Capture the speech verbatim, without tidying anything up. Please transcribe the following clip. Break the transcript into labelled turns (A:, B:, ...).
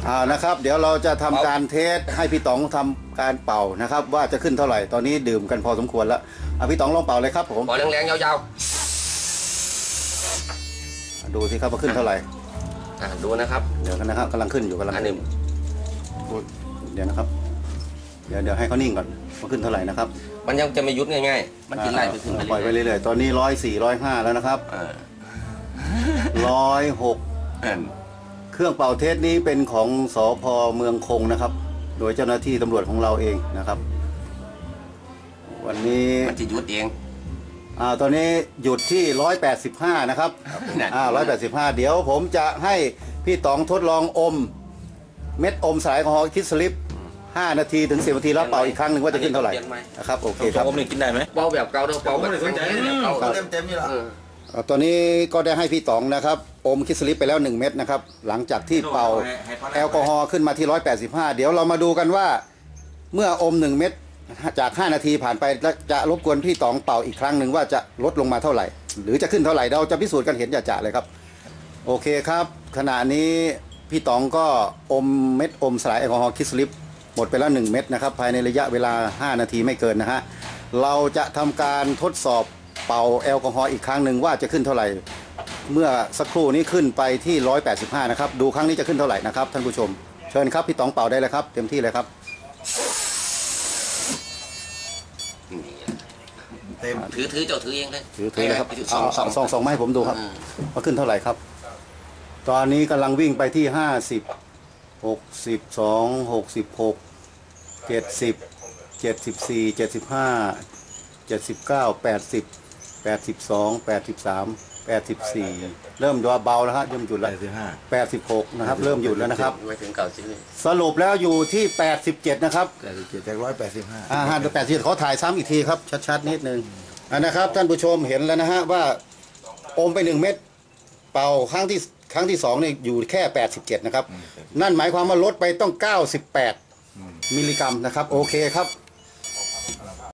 A: อ่านะครับเดี๋ยวเราจะทำการเทสให้พี่ต๋องทำการเป่านะครับว่าจะขึ้นเท่าไหร่ตอนนี้ดื่มกันพอสมควรแล้วอ่ะพี่ต๋องลองเป่าเลยครับผม
B: เป่าแรงๆยาว
A: ๆดูสิครับว่าขึ้นเท่าไหร่
B: อ่าดูนะครับ
A: เดี๋ยวกันนะครับกำลังขึ้นอยู่กำลัง
B: อันนี้
A: เดี๋ยวนะครับเดี๋ยวเดี๋ยวให้เขานิ่งก่อนว่าขึ้นเท่าไหร่นะครับ
B: มันยังจะไม่ยุดง่ายๆมันกินไล่ไปขึ้นไป
A: ปล่อยไปเรื่อยๆตอนนี้ร้อยสี่ร้อยห้าแล้วนะครับร้อยหกเครื่องเป่าเทสนี้เป็นของสภ.เมืองคงนะครับโดยเจ้าหน้าที่ตำรวจของเราเองนะครับวันนี้
B: มันจะยุดเอง
A: อ่าตอนนี้หยุดที่ร้อยแปดสิบห้านะครับอ่าร้อยแปดสิบห้าเดี๋ยวผมจะให้พี่ต๋องทดลองอมเม็ดอมสายแอลกอฮอล์คิดสลิปห้านาทีถึงสิบนาทีแล้วเป่าอีกครั้งหนึ่งว่าจะขึ้นเท่าไหร่นะครับโอเคครับ
C: อมนี่กินได้ไหม
B: เป่าแบบเก่าเท่าเป่าแบบเก่า
C: เต็มเต็มนี่แหละ
A: ตอนนี้ก็ได้ให้พี่ต๋องนะครับอมคิดสลิปไปแล้วหนึ่งเม็ดนะครับหลังจากที่เป่าแอลกอฮอล์ขึ้นมาที่ร้อยแปดสิบห้าเดี๋ยวเรามาดูกันว่าเมื่ออมหนึ่งเม็ดจากห้านาทีผ่านไปจะรบกวนพี่ต๋องเป่าอีกครั้งหนึ่งว่าจะลดลงมาเท่าไหร่หรือจะขึ้นเท่าไหร่เราจะพิสูจน์กันเห็นจ่าๆเลยครับโอเคครับขณะนี้พี่ต๋องก็อมเม็ดอมสลายแอลกอฮอล์คิดสลิปหมดไปแล้วหนึ่งเม็ดนะครับภายในระยะเวลาห้านาทีไม่เกินนะฮะเราจะทำการทดสอบเป่าแอลกอฮอล์อีกครั้งหนึ่งว่าจะขึ้นเท่าไหร่เมื่อสักครู่นี้ขึ้นไปที่ร้อยแปดสิบห้านะครับดูครั้งนี้จะขึ้นเท่าไหร่นะครับท่านผู้ชมเชิญครับพี่ต๋องเป่าได้เลยครับเต็มที่เลยครับ
B: เต็มถือถือเจ้าถือเองเลย
A: ถือถือเลยครับเอาสองสองสองมาให้ผมดูครับว่าขึ้นเท่าไหร่ครับตอนนี้กำลังวิ่งไปที่ห้าสิบหกสิบสองหกสิบหกเจ็ดสิบเจ็ดสิบสี่เจ็ดสิบห้าเจ็ดสิบเก้าแปดสิบแปดสิบสองแปดสิบสามแปดสิบสี่เริ่มเบาแล้วครับเริ่มหยุดแล้วแปดสิบหกนะครับเริ่มหยุดแล้วนะครับ
B: ไม่ถึงเก่าสิ
A: สรุปแล้วอยู่ที่แปดสิบเจ็ดนะครับ
C: แปดสิบเจ็ดจากร้อยแปดสิบห้า
A: อ่าห้าแปดสิบขอถ่ายซ้ำอีกทีครับชัดๆนิดนึงอ่านะครับท่านผู้ชมเห็นแล้วนะฮะว่าอมไปหนึ่งเม็ดเป่าครั้งที่ครั้งที่สองเนี่ยอยู่แค่แปดสิบเจ็ดนะครับนั่นหมายความว่าลดไปต้องเก้าสิบแปดมิลลิกรัมนะครับโอเคครับ